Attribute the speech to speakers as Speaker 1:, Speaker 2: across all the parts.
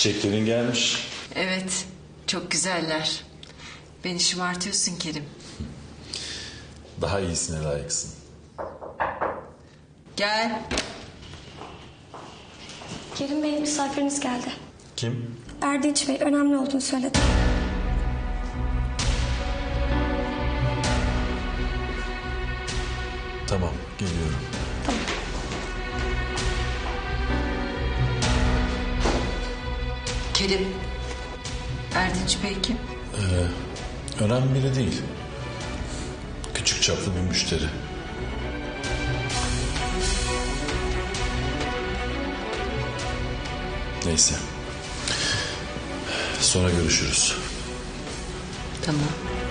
Speaker 1: Çiçeklerin gelmiş.
Speaker 2: Evet, çok güzeller. Beni şımartıyorsun Kerim.
Speaker 1: Daha iyisine layıksın.
Speaker 2: Gel.
Speaker 3: Kerim Bey, misafiriniz geldi.
Speaker 1: Kim?
Speaker 3: Erdinç Bey, önemli olduğunu söyledi.
Speaker 1: Tamam, geliyorum.
Speaker 3: Tamam.
Speaker 2: Kerim. Erdinç Bey kim?
Speaker 1: Önemli biri değil. Küçük çaplı bir müşteri. Neyse. Sonra görüşürüz.
Speaker 2: Tamam.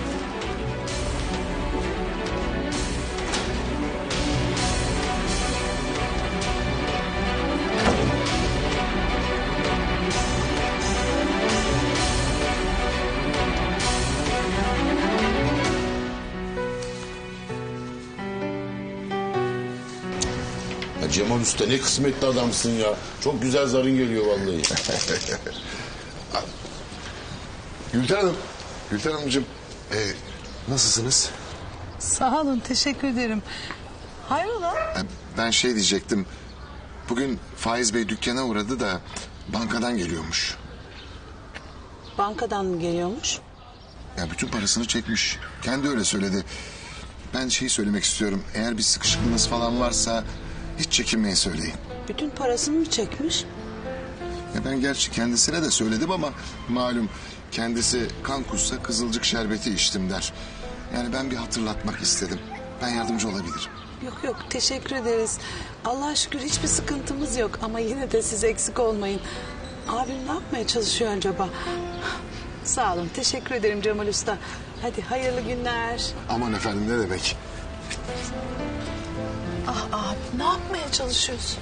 Speaker 4: Ya Cemal Usta ne kısmetli adamsın ya. Çok güzel zarın geliyor vallahi.
Speaker 5: Gülten Hanım, Gülten Hanımcığım, nasılsınız?
Speaker 6: Sağ olun, teşekkür ederim. Hayrola?
Speaker 5: Ben şey diyecektim. Bugün Faiz Bey dükkana uğradı da bankadan geliyormuş.
Speaker 6: Bankadan mı geliyormuş?
Speaker 5: Ya bütün parasını çekmiş. Kendi öyle söyledi. Ben şeyi söylemek istiyorum. Eğer bir sıkışıklığınız falan varsa hiç çekinmeyin söyleyin.
Speaker 6: Bütün parasını mı çekmiş?
Speaker 5: Ya ben gerçi kendisine de söyledim ama malum kendisi kan kussa kızılcık şerbeti içtim der. Yani ben bir hatırlatmak istedim. Ben yardımcı olabilirim.
Speaker 6: Yok yok, teşekkür ederiz. Allah'a şükür hiçbir sıkıntımız yok ama yine de siz eksik olmayın. Abim ne yapmaya çalışıyor acaba? Sağ olun, teşekkür ederim Cemal Usta. Hadi hayırlı günler.
Speaker 5: Aman efendim ne demek?
Speaker 6: Ah abi, ne yapmaya çalışıyorsun?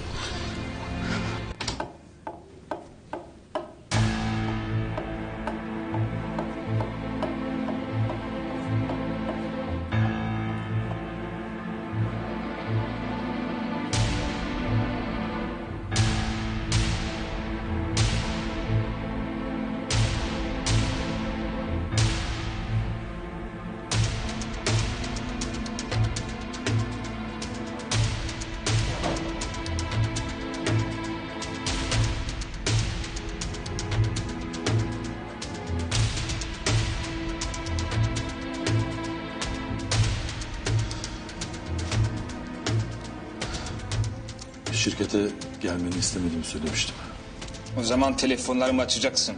Speaker 1: Şirkete gelmeni istemediğimi söylemiştim.
Speaker 7: O zaman telefonlarımı açacaksın.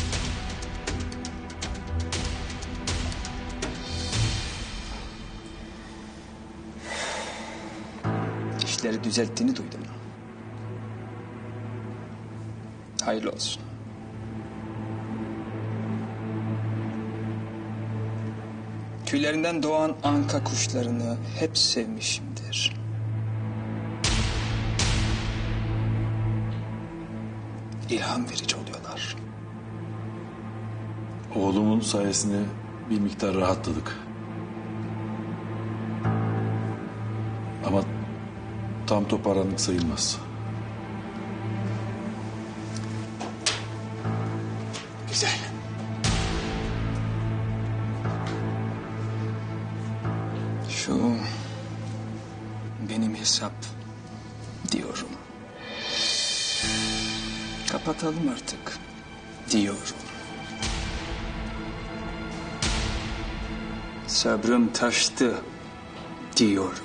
Speaker 7: İşleri düzelttiğini duydum. Hayırlı olsun. Tüylerinden doğan anka kuşlarını hep sevmişimdir. İlham verici oluyorlar.
Speaker 1: Oğlumun sayesinde bir miktar rahatladık. Ama tam toparlandık sayılmaz.
Speaker 5: Güzel.
Speaker 7: Şu benim hesap diyorum. Kapatalım artık diyorum. Sabrım taştı diyorum.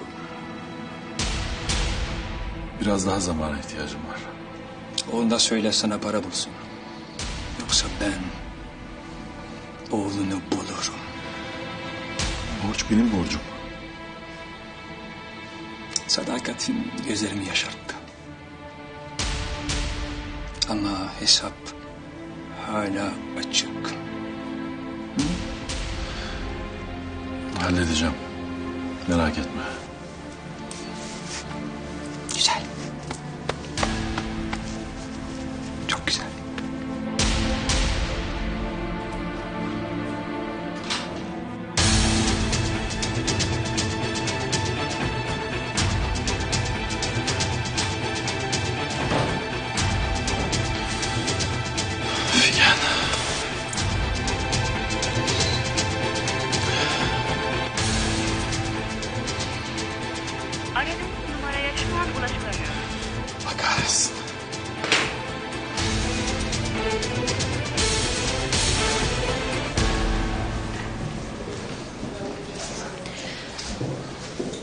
Speaker 1: Biraz daha zamana ihtiyacım var.
Speaker 7: Onu da söyle sana para bulsun. Yoksa ben oğlunu bulurum.
Speaker 1: Borç benim borcum.
Speaker 7: Sadakatin gözlerimi yaşarttı. Ama hesap hala açık.
Speaker 1: Halledeceğim. Merak etme.
Speaker 7: Güzel. Çok güzel.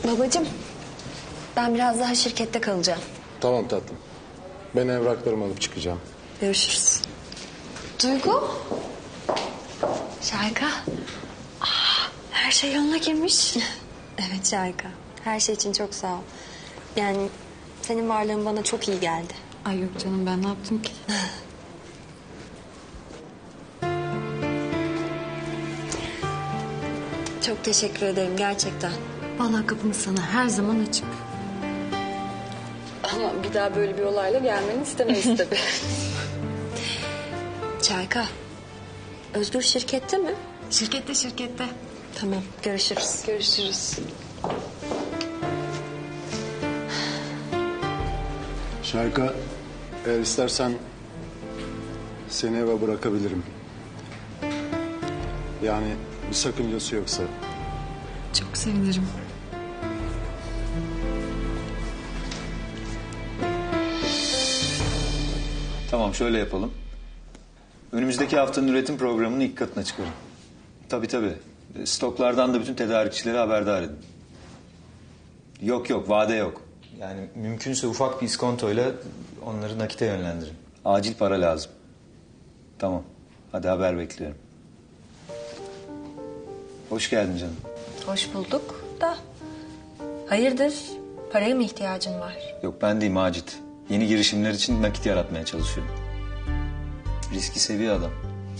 Speaker 8: Babacığım, ben biraz daha şirkette kalacağım.
Speaker 9: Tamam tatlım. Ben evraklarımı alıp çıkacağım.
Speaker 8: Görüşürüz. Duygu. Şahika. Her şey yoluna girmiş. Evet Şahika. Her şey için çok sağ ol. Yani senin varlığın bana çok iyi geldi.
Speaker 2: Ay yok canım, ben ne yaptım ki?
Speaker 8: Çok teşekkür ederim gerçekten.
Speaker 2: Vallahi kapımız sana her zaman açık.
Speaker 8: Ama bir daha böyle bir olayla gelmeni istemeyiz tabii. Şahika. Özgür şirkette mi?
Speaker 2: Şirkette.
Speaker 8: Tamam, görüşürüz.
Speaker 2: Görüşürüz.
Speaker 9: Şarka, eğer istersen seni eve bırakabilirim. Yani bir sakıncası yoksa.
Speaker 2: Çok sevinirim.
Speaker 10: Tamam, şöyle yapalım. Önümüzdeki haftanın üretim programının ilk katına çıkarın. Tabii. Stoklardan da bütün tedarikçileri haberdar edin. Yok, vade yok. Yani mümkünse ufak bir iskontoyla onları nakite yönlendirin. Acil para lazım. Tamam, hadi haber bekliyorum. Hoş geldin canım.
Speaker 8: Hoş bulduk da. Hayırdır? Paraya mı ihtiyacın var?
Speaker 10: Yok, ben değil Macit. Yeni girişimler için nakit yaratmaya çalışıyorum. Riski seviyor adam.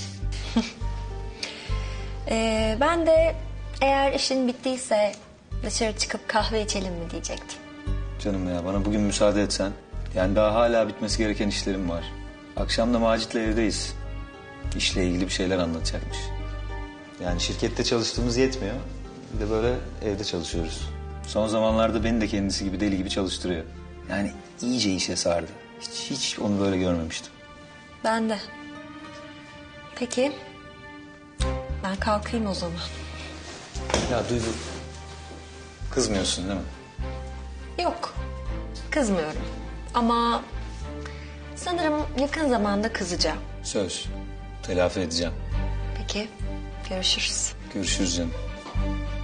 Speaker 8: Ben de eğer işin bittiyse dışarı çıkıp kahve içelim mi diyecektim.
Speaker 10: Canım ya, bana bugün müsaade etsen. Yani daha hala bitmesi gereken işlerim var. Akşam da Macit'le evdeyiz. İşle ilgili bir şeyler anlatacakmış. Yani şirkette çalıştığımız yetmiyor. Bir de böyle evde çalışıyoruz. Son zamanlarda beni de kendisi gibi deli gibi çalıştırıyor. Yani iyice işe sardı. Hiç onu böyle görmemiştim.
Speaker 8: Ben de. Peki. Ben kalkayım o zaman.
Speaker 10: Ya Duygu, kızmıyorsun değil mi?
Speaker 8: Yok. Kızmıyorum. ama sanırım yakın zamanda kızacağım.
Speaker 10: Söz. Telafi edeceğim.
Speaker 8: Peki, görüşürüz.
Speaker 10: Görüşürüz canım.